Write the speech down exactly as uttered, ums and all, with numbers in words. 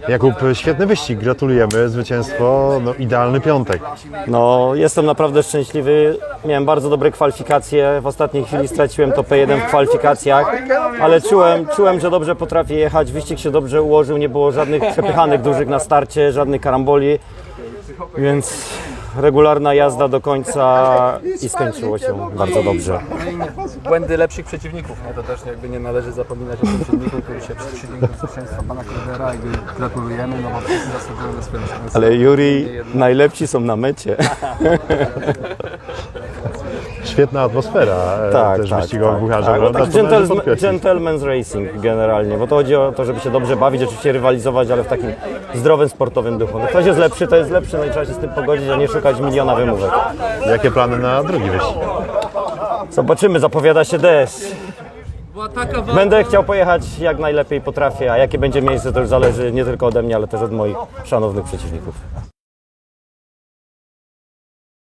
Jakub, świetny wyścig, gratulujemy, zwycięstwo, no idealny piątek. No, jestem naprawdę szczęśliwy. Miałem bardzo dobre kwalifikacje. W ostatniej chwili straciłem to P jeden w kwalifikacjach, ale czułem, czułem, że dobrze potrafię jechać. Wyścig się dobrze ułożył, nie było żadnych przepychanek dużych na starcie, żadnych karamboli, więc regularna jazda do końca i skończyło się bardzo dobrze. Błędy lepszych przeciwników, nie? To też jakby nie należy zapominać o tym przeciwniku, który się przeciwnikiem zwycięstwa pana Klebera i gratulujemy, no bo wszyscy zasługują na swoją szansę. Ale Juri, najlepsi są na mecie. Świetna atmosfera e, Tak, też tak, wyścigowa tak, Bucharza, tak. prawda? Tak, To należy gentleman, podkreślić. gentleman's racing generalnie, bo to chodzi o to, żeby się dobrze bawić, oczywiście rywalizować, ale w takim zdrowym, sportowym duchu. No, ktoś jest lepszy, to jest lepszy, no i trzeba się z tym pogodzić, a nie szukać miliona wymówek. Jakie plany na drugi wyścig? Zobaczymy, zapowiada się deszcz. Będę chciał pojechać jak najlepiej potrafię, a jakie będzie miejsce, to już zależy nie tylko ode mnie, ale też od moich szanownych przeciwników.